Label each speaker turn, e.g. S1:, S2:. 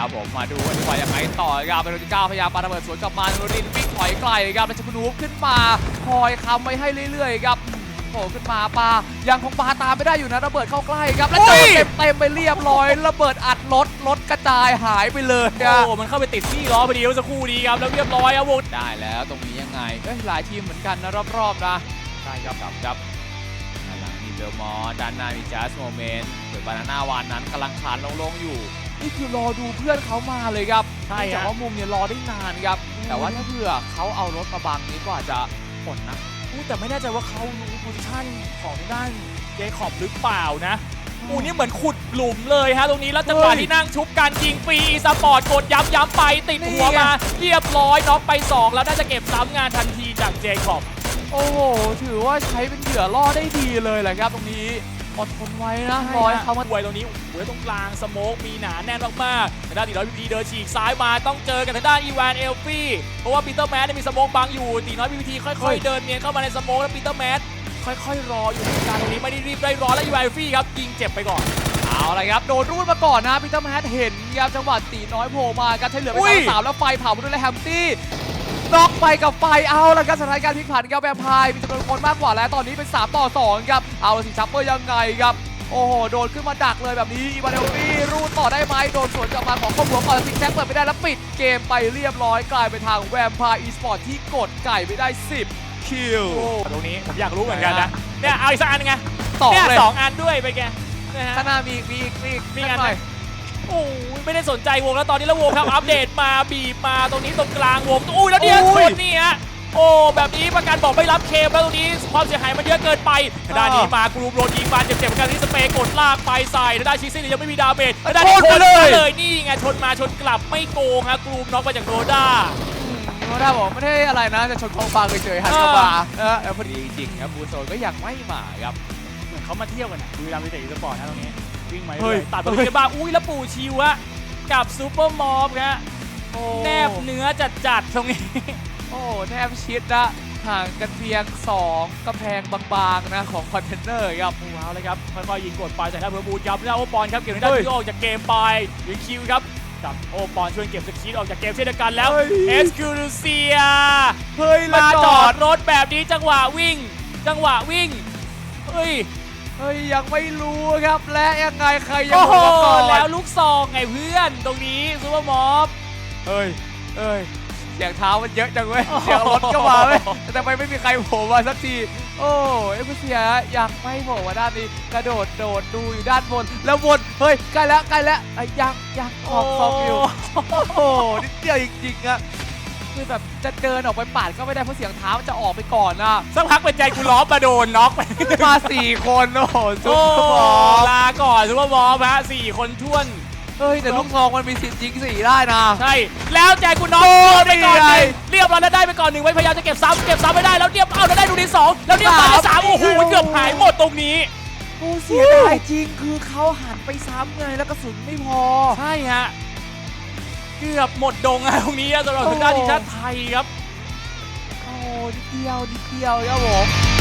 S1: ครับผมมาดูกันดีกว่ายังไงต่อครับเป็นโรดิก้าพยายามปาระเบิดสวนกลับมาโรดินวิ่งถอยไกลครับแล้วจะนูบขึ้นมาคอยค้ำไว้ให้เรื่อยๆครับโผล่ขึ้นมาปายังคงปาตามไม่ได้อยู่นะระเบิดเข้าใกล้ครับแล้วเจอเต็มไปเรียบร้อยระเบิดอัดรถกระจายหายไปเลย
S2: โอ้มันเข้าไปติดที่ล้อพอดีเมื่อสักครู่นี้ครับแล้วเรียบร้อยครับวง
S1: ได้แล้วตรงนี้ยังไงหลายทีมเหมือนกันนะรอบๆนะใช่ครับครับด้านหลังมีเบลมอร์ด้านหน้ามีจัสโมเมนต์ส่วนบานาน่าวานนั้นกำลังคลานลงอยู่นี่คือรอดูเพื่อนเขามาเลยครับใช่แต่ว่ามุมเนี่ยรอได้นานครับแต่ว่าถ้าเผื่อเขาเอารถมาบังนี้ก็อาจจะผลนะ
S2: แต่ไม่แน่ใจว่าเขารู้โพซิชั่นของด้านเจคอบหรือเปล่านะนี่เหมือนขุดหลุมเลยฮะตรงนี้แล้วจังหวะที่นั่งชุบกันยิงฟรีสปอร์ตกดย้ำไปติดหัวมาเรียบร้อยน็อกไป2แล้วน่าจะเก็บซ้ำงานทันทีจากเจคอบ
S1: โอ้โหถือว่าใช้เป็นเหยื่อล่อได้ดีเลยแหละครับตรงนี้อดทนไว้นะรอยเขามา
S2: ไว้ตรงนี้ตรงกลางสโมกมีหนาแน่นมากๆทางด้านตีน้อยพีพีเดินฉีกซ้ายมาต้องเจอกับทางด้านอีวานเอลฟี่เพราะว่าปีเตอร์แมสมีสโมกบังอยู่ตีน้อยพีพีค่อยๆเดินเนียนเข้ามาในสโมกแล้วปีเตอร์แมสค่อยๆรออยู่ในการตรงนี้ไม่ได้รีบได้ร้อนแล้วอีวานเอลฟี่ครับยิงเจ็บไปก่อน
S1: เอาละครับโดนรูดมาก่อนนะปีเตอร์แมสเห็นครับจังหวะตีน้อยโผล่มาครับใช้เหลือไป3แล้วไฟเผามาด้วยแฮมตี้น็อกไปกับไฟเอาละครับสถานการณ์พลิกผันครับแวมไพร์มีจำนวนคนมากกว่าแล้วตอนนี้เป็น3-2ครับเอาสิชัปเปอร์ยังไงครับโอ้โหโดนขึ้นมาดักเลยแบบนี้อีวานเอลฟี่รูดต่อได้ไหมโดนสวนกลับมาของข้อหัวก่อนซิกแซกเปิดไม่ได้แล้วปิดเกมไปเรียบร้อยกลายเป็นทางแวมไพร์อีสปอร์ตที่กดไก่ไปได้10คิว
S2: ตรงนี้ผมอยากรู้เหมือนกันนะเนี่ยเอาอีกสักอันไง2อันด้วยไปแก
S1: ข้างหน้ามี
S2: อันไหนโอ้ยไม่ได้สนใจวงแล้วตอนนี้แล้ววงครับอัปเดตมาบีบมาตรงนี้ตรงกลางวงอุ้ยแล้วเนี่ยชนนี่ฮะโอ้แบบนี้ประกันบอกไม่รับเคมแล้วตรงนี้ความเสียหายมันเยอะเกินไปด้านนี้มากรูมโรนยิงมาเจ็บๆเหมือนกันที่สเปย์กดลากไปใส่ด้านชิซี่ยังไม่มีดาเมจด้านนี้ชนเลยนี่ไงชนมาชนกลับไม่โกงฮะกรูมน็อกไปจากโรด้า
S1: บอกไม่ได้อะไรนะจะชนกองฟางเฉยๆหันเข้ามาพอดีจริงครับบูโซนก็ยังไม่มาครับ
S2: เหมือนเขามาเที่ยวกันนะดูดามวิเตอร์สปอร์ตนะตรงนี้วิ่งมาเลยตัดบอลกันบ้างอุ้ยแล้วปู่ชิวะกับซูเปอร์มอฟครับแนบเนื้อจัดตรงนี้
S1: โอ้แนบชิดนะห่างกันเพียง2กำแพงบางๆนะของคอนเทนเนอร์ครับ
S2: ว้าวเลยครับค่อยๆยิงกดไปจากด้านเบอร์บูดครับแล้วโอปอนครับเก็บได้ที่ออกจากเกมไปยิงคิวครับกับโอปอนช่วยเก็บสกีออกจากเกมเช่นเดียวกันแล้วเอสคูลูเซียมาจอดรถแบบนี้จังหวะวิ่งเฮ้ย
S1: ยังไม่รู้ครับและยังไงใครยังรู้ก่อน
S2: แล้วลูกซองไงเพื่อนตรงนี้ซูเปอร์มอฟ
S1: เสียงเท้ามันเยอะจังเว้ยเสียงรถก็มาเว้ยแต่ทำไมไม่มีใครโผล่มาสักทีโอ้เอฟเซียยังไม่โผล่มาด้านนี้กระโดดดูอยู่ด้านบนแล้ววนใกล้แล้วยังออกซองอยู่โอ้นิดเดียวจริงๆอะคือแบบจะเดินออกไปปาดก็ไม่ได้เพราะเสียงเท้ามันจะออกไปก่อนนะ
S2: สักพักเป็นใจกูล้อมาโดนน็อกไป
S1: มา4คนโอ้โหซุปเปอร์บอล
S2: ลาก่อนซุปเปอร์บอลฮะ4คนท้วน
S1: แต่ลูกซองมันมีสิทธิ์ยิง4ได้นะ
S2: ใช่แล้วใจกูน็อกไปก่อนเรียบร้อยแล้วได้ไปก่อน1ไว้พยายามจะเก็บซ้ำไม่ได้แล้วเรียบแล้วได้ดูที่2แล้วเรียบร้อยได้3โอ้โหเกือบหายหมดตรงนี้
S1: เสียดายจริงคือเขาหันไปซ้ำไงแล้วกระสุนไม่พอ
S2: ใช่ฮะเกือบหมดดงตรงนี้สำหรับทางด้านทีมชาติไทยครับ
S1: นิดเดียวครับผม